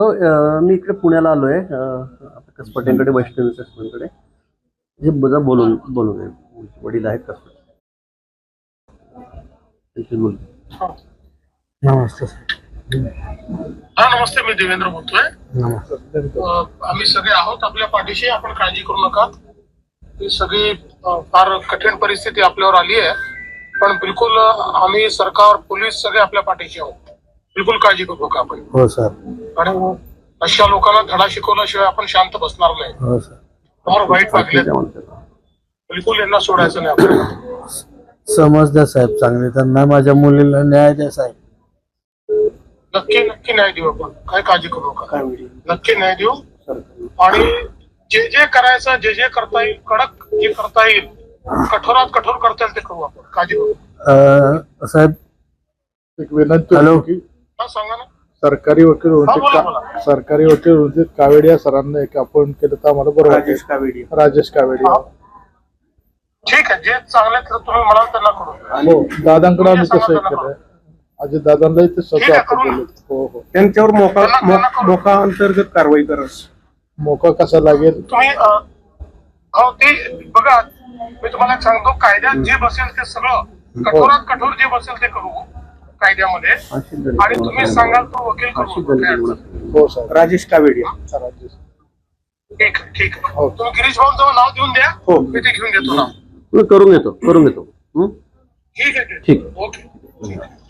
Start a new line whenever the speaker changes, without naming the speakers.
मी इकडे पुण्याला आलोय आता कसपटेंकडे वैष्णवी कसपटेंकडे जे बघा बोलून वडील आहेत कसपटे बोल.
नमस्ते
नमस्ते. मी देवेंद्र बोलतोय. आम्ही सगळे आहोत आपल्या पाठीशी. आपण काळजी करू नका. ही सगळी फार कठीण परिस्थिती आपल्यावर आली आहे, पण बिलकुल आम्ही सरकार पोलीस सगळे आपल्या पाठीशी आहोत. बिलकुल काळजी करू नका आपण.
हो सर.
आणि अशा लोकांना धडा शिकवल्याशिवाय आपण शांत बसणार नाही.
हो सर.
फार वाईट वागले. बिलकुल यांना सोडायचं नाही आपल्याला.
समज द्या साहेब चांगले, त्यांना माझ्या मुलीला न्याय द्या साहेब.
नक्की न्याय देऊ आपण. काय काळजी करू नका. नक्की न्याय देऊ. आणि जे करायचं जे करता येईल, कडक जे करता येईल, कठोरात कठोर करता येईल ते करू आपण. काळजी करू.
साहेब
एक विनंती
हॅलो.
होती की
सांगा ना.
सरकारी वकील होते कावेडिया सरांना एक अपॉइंट केलं तर आम्हाला बरोबर वाटेल. राजेश कावेडिया.
ठीक आहे. जे चांगले तुम्ही म्हणाल त्यांना करू.
हो, दादांकडे आम्ही तसं केलं. अजय दादांनाही ते स्वतः आपण बोललो. हो हो.
त्यांच्यावर मोका अंतर्गत कारवाई करा.
मोका कसा लागेल
तुम्ही हो ते बघा. मी तुम्हाला एक सांगतो, कायद्यात जे बसेल ते सगळं कठोरात कठोर जे बसेल ते करू कायद्यामध्ये. आणि तुम्ही सांगाल तो वकील करू.
हो सर.
राजेश कावेडिया.
राजेश.
ठीक आहे. तुम्ही गिरीश भाऊंचं नाव देऊन द्या.
हो.
मी ते घेऊन देतो नाव.
करून घेतो
ठीक आहे.
ठीक.
ओके.